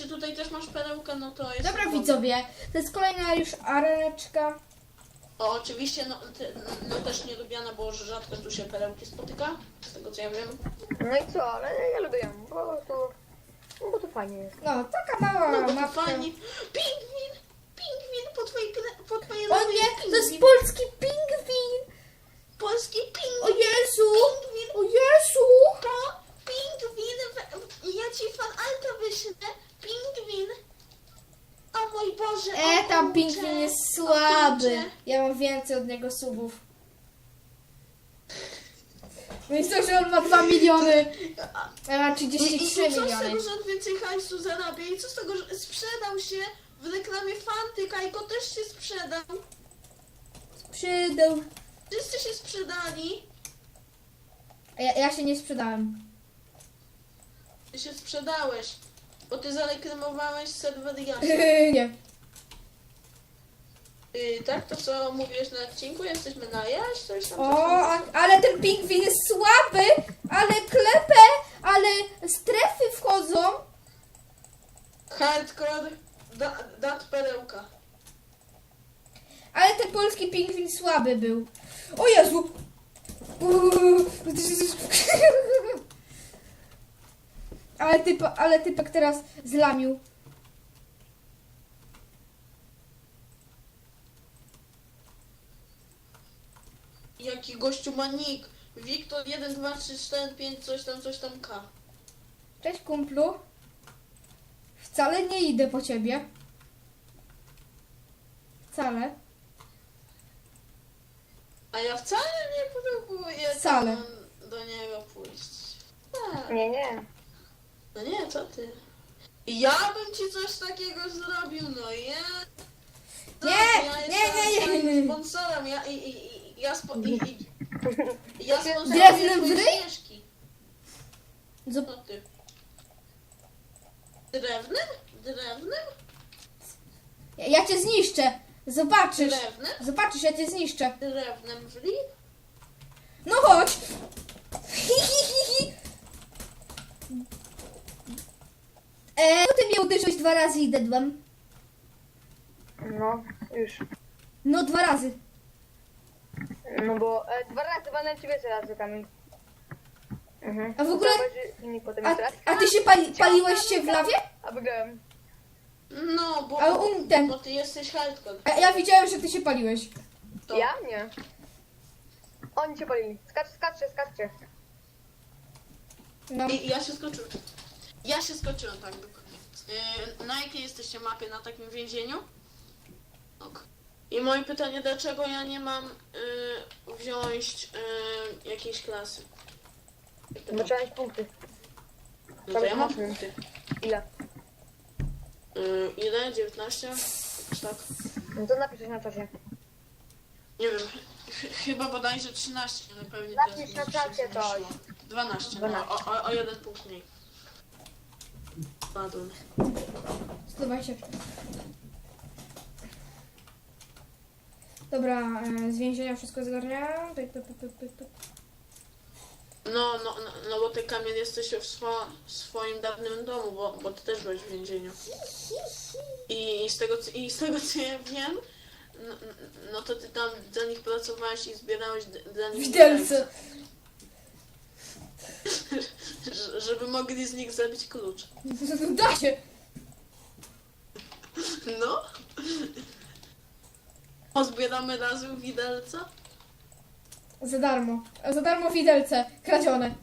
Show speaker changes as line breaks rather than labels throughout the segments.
jeśli tutaj też masz perełkę, no to jest...
Dobra
dobrze.
widzowie, to jest kolejna już areneczka.
O, oczywiście, no też nielubiana, bo rzadko tu się perełki spotyka, z tego co ja wiem.
No i co, ale ja lubię ją, bo to fajnie jest.
No, taka mała
No bo to
mapka.
fajnie. Pingwin po twojej
O
lewej
nie, to jest
pingwin.
polski pingwin!
Polski
O
pingwin.
Jezu!
Pingwin.
O Jezu!
To pingwin. Ja ci fan alta wyślę. Pingwin. O mój Boże. o
Tam
kurczę,
pingwin jest
o
słaby.
kurczę.
Ja mam więcej od niego subów. Więc to, że on ma 2 miliony. Ja mam
I
33
co z tego,
miliony.
że on więcej hajsu zarabia? I co z tego, że sprzedał się w reklamie Fanty, Kajko też się sprzedał.
Przydał.
Wszyscy się sprzedali.
Ja się nie sprzedałem.
Ty się sprzedałeś, bo ty zareklamowałeś serwer Jasia.
Nie.
Tak, to co mówiłeś na odcinku? Jesteśmy na Jaś? Coś tam,
O,
coś tam.
ale ten pingwin jest słaby, ale klepę, ale strefy wchodzą.
Hardcore, dat perełka.
Ale ten polski pingwin słaby był. O Jezu! Ale typek teraz zlamił.
Jaki gościu ma nick? Wiktor 1, 2, 3, 4, 5, coś tam K.
Cześć kumplu. Wcale nie idę po ciebie. Wcale.
A ja wcale nie próbuję
Wcale.
tam do niego pójść. Tak.
Nie.
No nie, co ty? Ja bym ci coś takiego zrobił, no ja...
Nie,
ja
nie,
jestem
nie, nie.
sponsorem, ja sponsororuję
Drewnem w
twoje
ryj?
ścieżki.
Zop-
Co ty? Drewnem? Drewnem?
Ja cię zniszczę. Zobaczysz.
Drewnem?
Zobaczysz, ja cię zniszczę.
Drewnem w ryj?
No chodź. Ty mnie uderzyłeś 2 razy i dedłem.
No, już.
No 2 razy.
No bo 2 razy walnę ciebie razy kamień. Mhm.
A w ogóle-
I potem
A,
jeszcze raz.
a ty się paliłeś się w lawie?
A wygrałem.
No, bo,
Ale ten.
bo ty jesteś hardcore.
Ja widziałem, że ty się paliłeś.
To.
Ja? Nie. Oni cię palili. Skaczcie.
No.
I ja się skoczyłem, tak dokładnie. Na jakiej jesteście mapie? Na takim więzieniu? Ok. I moje pytanie, dlaczego ja nie mam wziąć jakiejś klasy?
Bo trzeba mieć punkty.
No to ja mam punkty.
Ile?
Ile? 19? Tak.
No to napisz coś na czasie.
Nie wiem. Chyba bodajże 13, ale pewnie
Napisz
teraz
na czacie
będzie
coś.
szło. 12,
12.
no, o 1 punkt mniej. Padłem.
120. Dobra, z więzienia wszystko zgarniam.
No bo ty Kamil jesteś w swoim dawnym domu, bo ty też byłeś w więzieniu. I z tego co ja wiem, no to ty tam dla nich pracowałeś i zbierałeś dla nich
Widelce.
żeby mogli z nich zabić klucz.
Da się.
No. Pozbieramy razem widelca?
Za darmo. Za darmo widelce. Kradzione.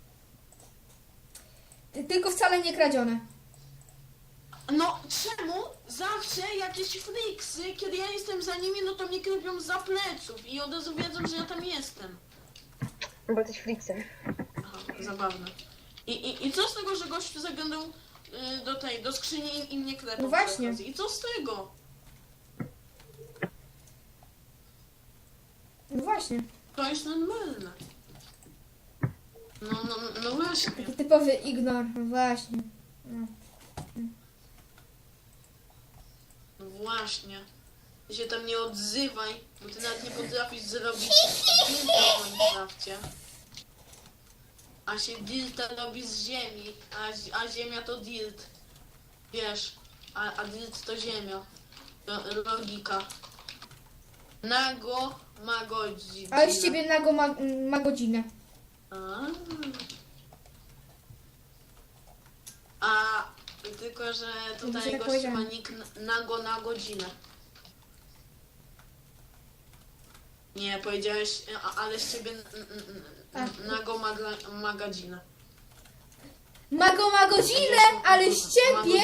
Tylko wcale nie kradzione.
No czemu zawsze jakieś friksy, kiedy ja jestem za nimi, no to mnie krypią za pleców i od razu wiedzą, że ja tam jestem.
Bo jesteś fliksem.
Aha, zabawne. I co z tego, że gościu zaglądał do skrzyni i mnie klepał?
No właśnie.
przy okazji? I co z tego?
No właśnie.
To jest normalne. No właśnie.
Taki typowy ignor. No właśnie. No.
No właśnie. Ty się tam nie odzywaj, bo ty nawet nie potrafisz zrobić dilta w Minecrafcie. A się dilta robi z ziemi, a ziemia to dilt. Wiesz, a dyt to ziemia. Logika. Nago ma godzinę.
Ale z ciebie nago ma godzinę.
A tylko, że
Widzicie,
tutaj
tak
gościu ma
powiedziałem.
nick nago na godzinę. Nie, powiedziałeś, ale z ciebie nago ma godzinę.
Mago ma godzinę, ale z ciebie...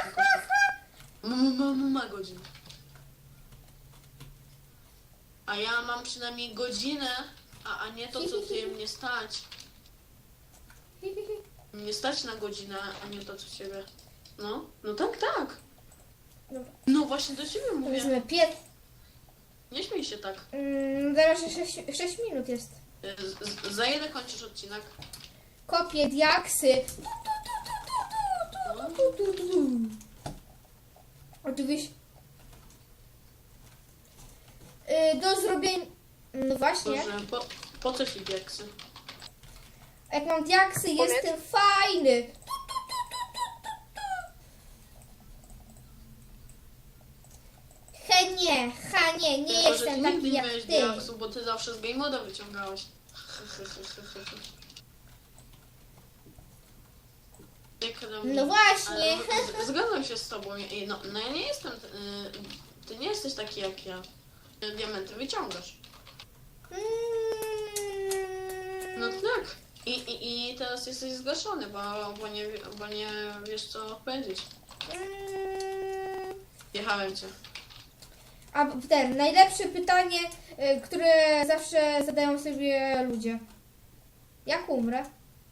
Ma godzinę. A ja mam przynajmniej godzinę, a nie to, co ty mnie stać. Mnie stać na godzinę, a nie to, co ciebie. No tak.
Dobra.
No właśnie do ciebie mówię.
Powiedzmy
Nie śmiej się tak.
Zaraz 6 minut jest.
Za ile kończysz odcinek?
Kopię diaksy. Oczywiście. Do zrobienia... No właśnie.
Boże, po co ci diaksy?
Jak mam diaksy, jestem fajny. Nie
Tylko, że
jestem
ty
taki
nigdy nie
jak
miałeś
ty.
diaksu, bo ty zawsze z game moda wyciągałeś.
No właśnie.
Zgadzam się z tobą. No ja nie jestem... Ty nie jesteś taki jak ja. Diamenty wyciągasz. No tak. I teraz jesteś zgaszony, bo nie wiesz co powiedzieć. Jechałem cię.
A najlepsze pytanie, które zawsze zadają sobie ludzie. Jak umrę?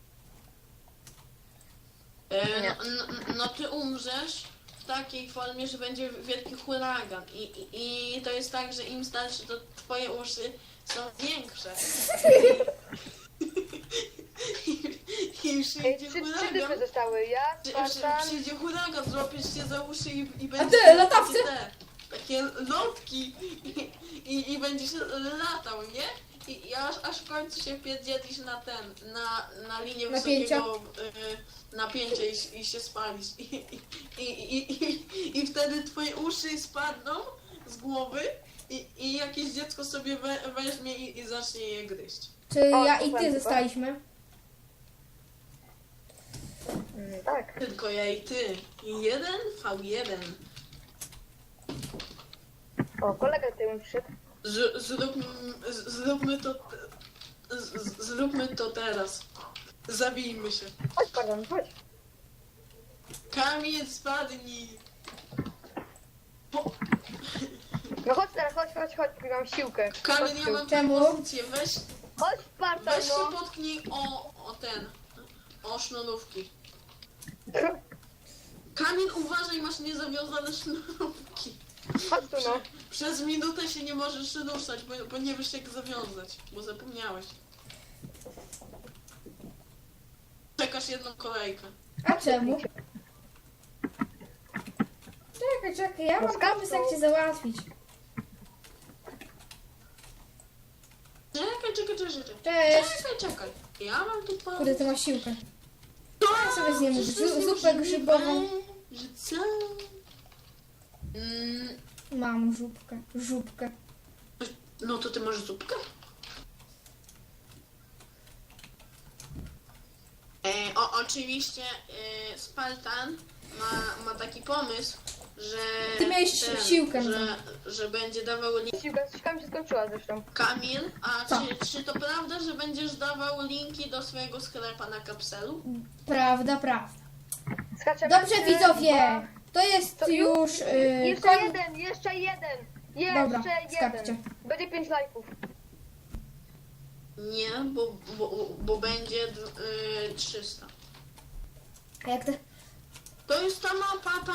No ty umrzesz w takiej formie, że będzie wielki huragan. I to jest tak, że im starsze, to twoje uszy są większe. I przyjdzie
Trzy
huragan.
typy zostały. Ja, Spartan.
Przyjdzie huragan, złapiesz się za uszy i
A
będzie
ty, latawcy?
takie lotki i będziesz latał, nie? I aż w końcu się wpierdzielisz na linię
Napięcia.
wysokiego napięcia i się spalisz. I wtedy twoje uszy spadną z głowy i jakieś dziecko sobie weźmie i zacznie je gryźć.
Czy ja i ty zostaliśmy?
Tak.
Tylko ja i ty. 1v1.
O, kolega tutaj mi przyszedł.
Zróbmy to teraz. Zabijmy się.
Chodź, Spartan, chodź.
Kamień spadnij.
No chodź teraz, chodź, póki mam siłkę.
Kamień,
Chodź
ja
tu.
mam
Czemu?
propozycję.
Chodź, Spartan,
Weź się
no.
potknij o sznurówki. Kamień, uważaj, masz niezawiązane sznurówki.
Chodź tu, no.
Przez minutę się nie możesz ruszać, bo nie wiesz jak zawiązać, bo zapomniałeś. Czekasz jedną kolejkę.
A czemu? Czekaj, ja mam pomysł jak cię załatwić.
Czekaj. Ja mam tu pomysł.
Kurde, ty masz siłkę. Ja sobie zjem zupę grzybową.
Że co?
Mam żubkę.
No to ty masz zupkę? Oczywiście Spartan ma taki pomysł, że
Ty miałeś siłkę.
że będzie dawał link.
Siłka mi się skończyła zresztą.
Kamil, a
Co?
czy to prawda, że będziesz dawał linki do swojego sklepa na kapselu?
Prawda.
Skaczemy.
Dobrze widzowie, to jest
To
już
Jeszcze jeden.
Dobra, skarbcie.
Będzie 5 lajków.
Nie, bo będzie 300.
A jak to?
To jest ta mapa,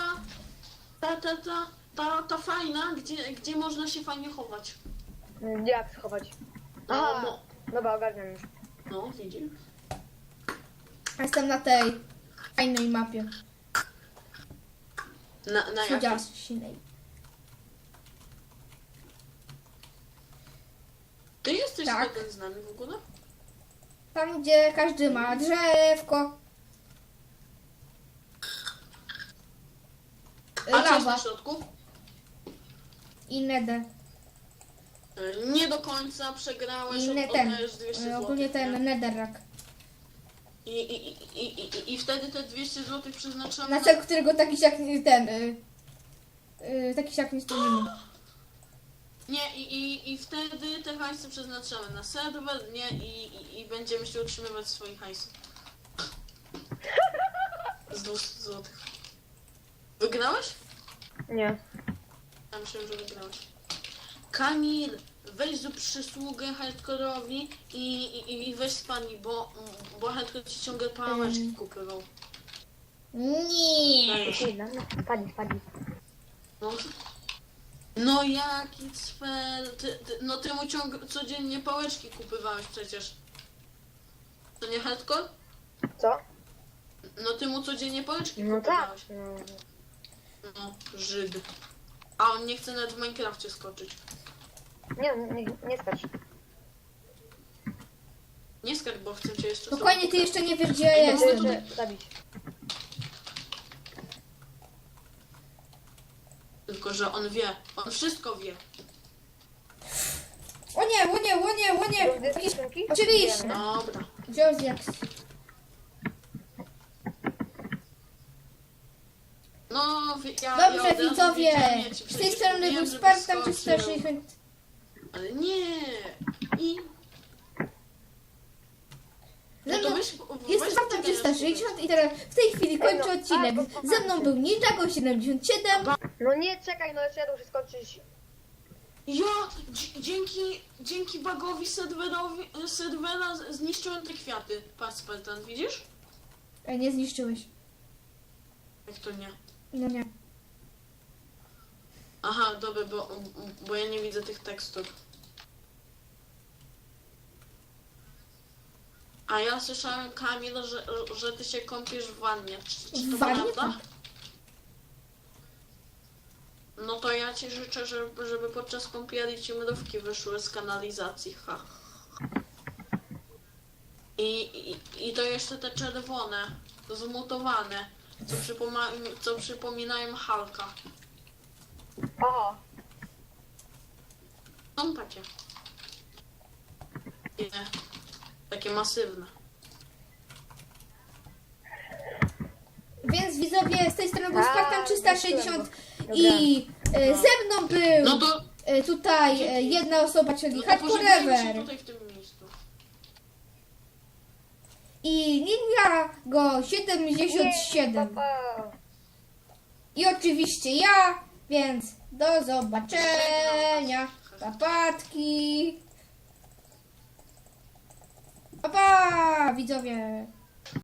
ta fajna, gdzie można się fajnie chować.
Jak schować? Aha. Dobra, ogarniam już.
No, widzisz?
Jestem na tej fajnej mapie.
Na jakiej?
Cudziasinej.
Ty jesteś
Tak.
jeden z nami w ogóle?
Tam gdzie każdy ma drzewko.
A co jest
lawa
na środku?
i nether.
Nie do końca przegrałeś,
I ten,
oddajesz 200 zł.
ogólnie ten netherrack.
I wtedy te 200 zł przeznaczamy
Na cel, którego taki siak ten, taki siak nie spełnimy.
Nie, i wtedy te hajsy przeznaczamy na serwer, nie? I będziemy się utrzymywać swoich hajsów. Z 200 zł. Wygrałeś?
Nie.
Ja myślałem, że wygrałeś. Kamil, weź zrób przysługę hardkorowi i weź spadnij, bo hardcore ci ciągle pałeczki kupywał.
Nie.
Chwila, no, spadnij.
No, no jaki cwer, no ty mu codziennie pałeczki kupywałeś przecież. To nie hardcore?
Co?
No ty mu codziennie pałeczki
No tak.
kupowałeś. No, Żyd. A on nie chce nawet w Minecrafcie skoczyć.
Nie skacz.
Nie skacz, bo chcę cię jeszcze
Spokojnie, ty jeszcze nie wiesz, gdzie ja
Chcę
jestem.
jeszcze zabić.
Tylko, że on wie. On wszystko wie.
O nie. Jakieś... Oczywiście.
Dobra.
Wziął z jak...
No, ja
Dobrze,
od razu
widzowie.
wiedziałem, ja ci
Z tej
przecież
strony
mówiłem,
był
żeby
Spartan
skoczył.
360.
Ale nie. No to weź,
Jestem Spartan 360 i teraz w tej chwili kończę odcinek. Ze mną był Ninjago 77.
No nie, czekaj, no jeszcze ja muszę skończyć.
Ja dzięki bugowi serwera zniszczyłem te kwiaty. Patrz, Spartan, widzisz?
Nie zniszczyłeś.
Jak to nie?
No nie.
Aha, dobra, bo ja nie widzę tych tekstur. A ja słyszałem, Kamil, że ty się kąpiesz w wannie. Czy to
W wannie?
prawda? No to ja ci życzę, żeby podczas kąpieli ci mrówki wyszły z kanalizacji. Ha. I to jeszcze te czerwone, zmutowane, co przypominają Hulka.
Aha.
Są takie. Nie. Takie masywne.
Więc widzowie, z tej strony był
A,
Spartan 360
dobra.
i ze mną był
No to,
tutaj jedna osoba, czyli
no to
Hardcore
pożegnajmy się
Ever
tutaj w tym miejscu.
i Ninjago 77
Pa.
i oczywiście ja, więc do zobaczenia, papatki, pa, widzowie.